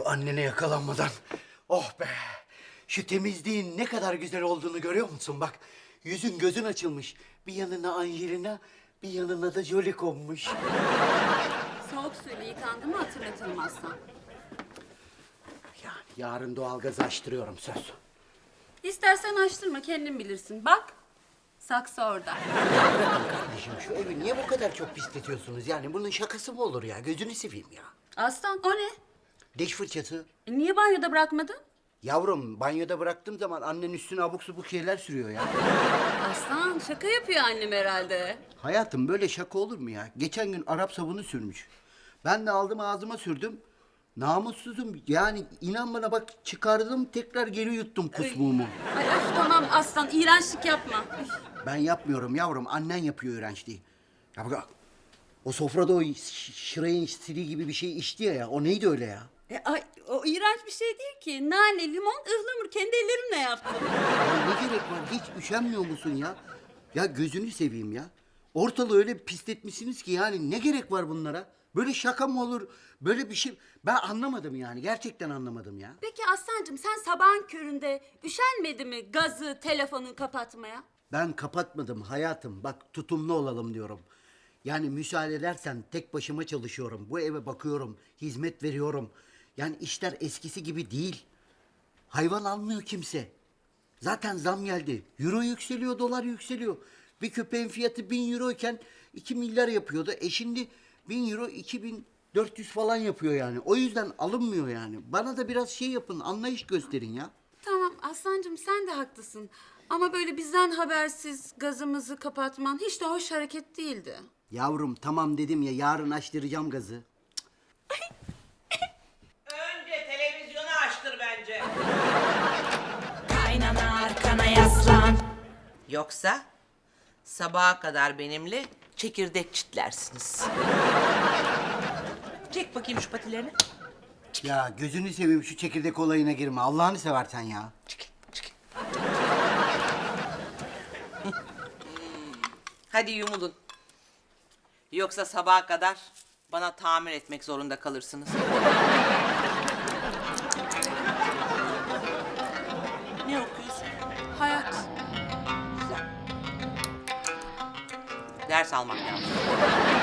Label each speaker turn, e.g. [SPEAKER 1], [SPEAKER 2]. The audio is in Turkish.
[SPEAKER 1] Şu annene yakalanmadan. Oh be. Şu temizliğin ne kadar güzel olduğunu görüyor musun? Bak yüzün gözün açılmış. Bir yanına Angelina, bir yanına da Jolie konmuş.
[SPEAKER 2] Soğuk suyla yıkandı mı hatırlatırım aslan.
[SPEAKER 1] Yani yarın doğalgazı açtırıyorum söz.
[SPEAKER 2] İstersen açtırma, kendin bilirsin. Bak, saksı orada.
[SPEAKER 1] Bırakın kardeşim şu evi niye bu kadar çok pisletiyorsunuz? Yani bunun şakası mı olur ya? Gözünü seveyim ya.
[SPEAKER 2] Aslan, o ne?
[SPEAKER 1] Diş fırçası.
[SPEAKER 2] Niye banyoda bırakmadın?
[SPEAKER 1] Yavrum banyoda bıraktığım zaman annen üstüne abuk subuk şeyler sürüyor ya.
[SPEAKER 2] Aslan, şaka yapıyor annem herhalde.
[SPEAKER 1] Hayatım böyle şaka olur mu ya? Geçen gün Arap sabunu sürmüş. Ben de aldım ağzıma sürdüm. Namussuzum yani inan bana bak çıkardım tekrar geri yuttum kusmuğumu.
[SPEAKER 2] Ay öf, tamam aslan, iğrençlik yapma. Üf.
[SPEAKER 1] Ben yapmıyorum yavrum annen yapıyor iğrençliği. Ya bak o sofrada o şırayın stili gibi bir şey içti ya o neydi öyle ya?
[SPEAKER 2] Ay, o iğrenç bir şey değil ki. Nane, limon, ıhlamur. Kendi ellerimle yaptım.
[SPEAKER 1] Ya ne gerek var hiç üşenmiyor musun ya? Ya gözünü seveyim ya. Ortalığı öyle pisletmişsiniz ki yani ne gerek var bunlara? Böyle şaka mı olur? Böyle bir şey ben anlamadım yani gerçekten anlamadım ya.
[SPEAKER 2] Peki Aslancığım, sen sabahın köründe üşenmedi mi gazı, telefonu kapatmaya?
[SPEAKER 1] Ben kapatmadım hayatım. Bak tutumlu olalım diyorum. Yani müsaade edersen tek başıma çalışıyorum. Bu eve bakıyorum, hizmet veriyorum. Yani işler eskisi gibi değil. Hayvan almıyor kimse. Zaten zam geldi. Euro yükseliyor, dolar yükseliyor. Bir köpeğin fiyatı 1.000 euro iken 2 milyar yapıyordu. Şimdi 1.000 euro 2.400 falan yapıyor yani. O yüzden alınmıyor yani. Bana da biraz şey yapın, anlayış gösterin ya.
[SPEAKER 2] Tamam Aslancığım, sen de haklısın. Ama böyle bizden habersiz gazımızı kapatman hiç de hoş hareket değildi.
[SPEAKER 1] Yavrum tamam dedim ya yarın açtıracağım gazı.
[SPEAKER 3] Önce televizyonu açtır bence.
[SPEAKER 4] Kaynana arkana yaslan.
[SPEAKER 3] Yoksa sabaha kadar benimle çekirdek çitlersiniz. Çek bakayım şu patilerini.
[SPEAKER 1] Ya gözünü seveyim şu çekirdek olayına girme. Allah'ını seversen ya.
[SPEAKER 3] Çekil, çekil. Hadi yumulun. Yoksa sabaha kadar bana tamir etmek zorunda kalırsınız. Ne okuyorsun?
[SPEAKER 2] Hayat.
[SPEAKER 3] Güzel. Ders almak lazım.